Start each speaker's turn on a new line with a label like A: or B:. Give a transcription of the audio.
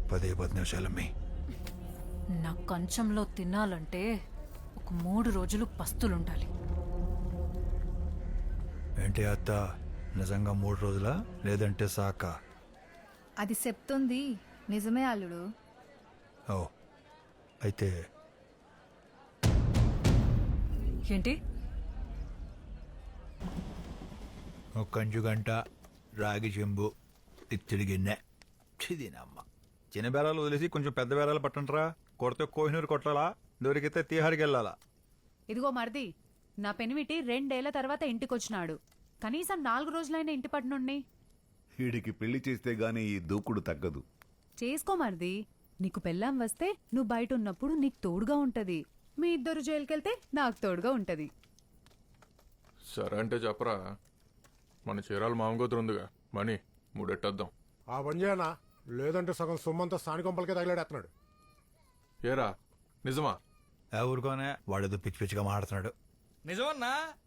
A: 10 నిమిషాలమ్మి.
B: నా కంచంలో తినాలంటే ఒక 3 రోజులు పస్తులుండాలి.
A: ఏంటి అత్త, నిజంగా 3 రోజులా లేదంటే సాక?
C: అది చెప్తుంది నిజమే అల్లుడు.
A: ఓ అయితే
B: ఏంటి?
A: ఒక కంచు గంట రాగి చెంబు తిత్తిడి గిన్నె చిదినమ్మ. చిన్న బేరాలు వదిలేసి కొంచెం పెద్ద బేరాలు పట్టంట్రా. కొడితే కోహినూరు కొట్టాలా, దొరికితే తీహారికి వెళ్ళాలా.
D: ఇదిగో మరిది, నా పెనిమిటి 2 ఏళ్ల తర్వాత ఇంటికొచ్చినాడు. కనీసం 4 రోజులైన ఇంటి పట్టునుండి
E: వీడికి పెళ్లి చేస్తే గానీ ఈ దూకుడు తగ్గదు.
D: చేసుకో మరిది. నీకు పెళ్ళాం వస్తే నువ్వు బయట ఉన్నప్పుడు నీకు తోడుగా ఉంటది. మీ ఇద్దరు జైలుకెళ్తే నాకు తోడుగా ఉంటది.
F: సరే అంటే చెప్పరా, మన చీరాలు మామగోతురు ఉందిగా, మనీ మూడెట్టేద్దాం.
G: ఆ పని చేయనా, లేదంటే సగం సొమ్మంతా స్థానికంపలకే తగిలాడేస్తున్నాడు.
F: ఏరా నిజమా?
A: ఊరుకోనే, వాడేదో పిచ్చి పిచ్చిగా మాడుతున్నాడు.
H: నిజమన్నా